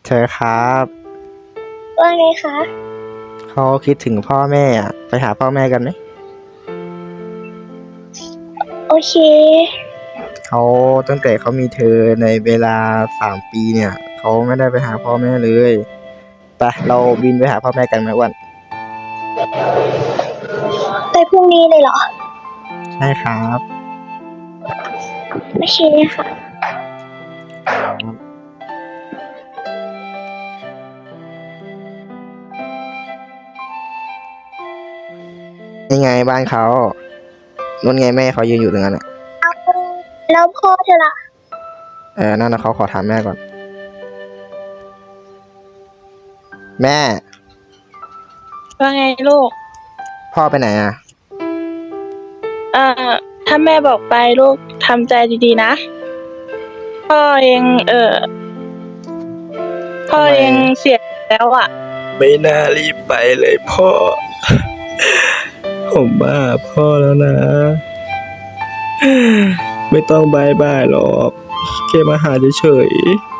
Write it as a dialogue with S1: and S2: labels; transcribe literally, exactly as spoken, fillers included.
S1: เธอครับ
S2: ว่าไงคะ
S1: เขาคิดถึงพ่อแม่อะไปหาพ่อแม่กันไหม
S2: โอเค
S1: เขาตั้งแต่เขามีเธอในเวลาสามปีเนี่ยเขาไม่ได้ไปหาพ่อแม่เลยไปเราบินไปหาพ่อแม่กันไหมอ้วัน
S2: ไปพรุ่งนี้เลยเหรอ
S1: ใช่ครับ
S2: โอเคค่ะ
S1: ยังไงบ้านเขานู่นไงแม่เขายืนอยู่ตรงนั้นอ่ะ
S2: แล้วพ่อเธอล่ะ
S1: เออนั่นนะเขาขอถามแม่ก่อน แม่
S3: ว่าไงลูก
S1: พ่อไปไหนอ่ะ
S3: เอ่อ ถ้าแม่บอกไปลูกทำใจดีๆนะ พ่อเองเออพ่อ
S1: ทำไม
S3: เองเสียแล้วอ่ะ
S4: ไม่น่ารีบไปเลยพ่อ ผมบ้าพ่อแล้วนะ ไม่ต้องบายบายหรอกแค่มาหาเฉยๆ